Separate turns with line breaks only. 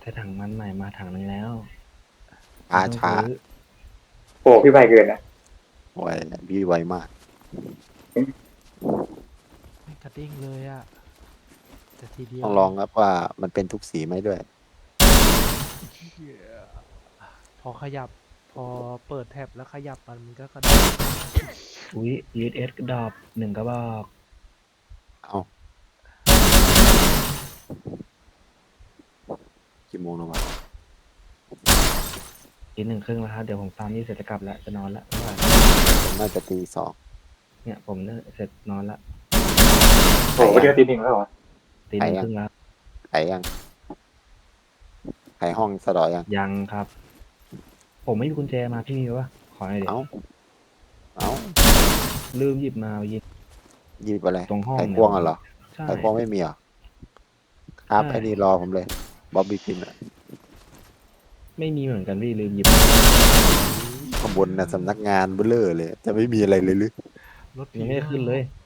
แต่ถังมันใหม่มาถังนึงแล้ว
ช้า
ไม่ต้อง
ช้า
ซื้อ
โอ้พี่ใบเกินนะ
ไวพี่ไวมาก
ไม่กระเด้งเลยอะแต่ทีเดียว
ต้องลองครับว่ามันเป็นทุกสีไหมด้วย
เหี้ยพอขยับ พอเปิดแท็บแล้วขยับมันก็กระเด้ง
อุ้ย USS ดรอป1 กระบอก
เอากี่โมงแล้ววะ
อีก1 ครึ่งแล้วครับเดี๋ยวผมตามนี่เสร็จจะกลับแล้วจะนอนแล้ว
ผมน่าจะตีสอง
เนี่ยผมเนี่ยเสร็จนอนละ
โอ้โหเดียวตีหนึ่งแล้วเหรอ
ตี 1 ครึ่งแล้ว
ไขยังไขห้องสะดอยัง
ยังครับ ผมไม่มีกุญแจมาพี่มีปะขอหน่อยเดี๋ย
เอา
ว
เอา
ลืมหยิบมาเมื่อกี้
หยิบอะไร
ตรงห้อง
ไขควงเหรอ
ใช่
ไขควงไม่มีเหรอครับ
ใช่
ไอ้นี่รอผมเลยบ๊อบบี้พินอะ
ไม่มีเหมือนกันพี่ลืมหยิบ
ข้างบนน่ะสำนักงานเบลเลอร์เลย จะไม่มีอะไรเลยหรือ
รถผี
ยังไม่ได้ขึ้นเลย
ม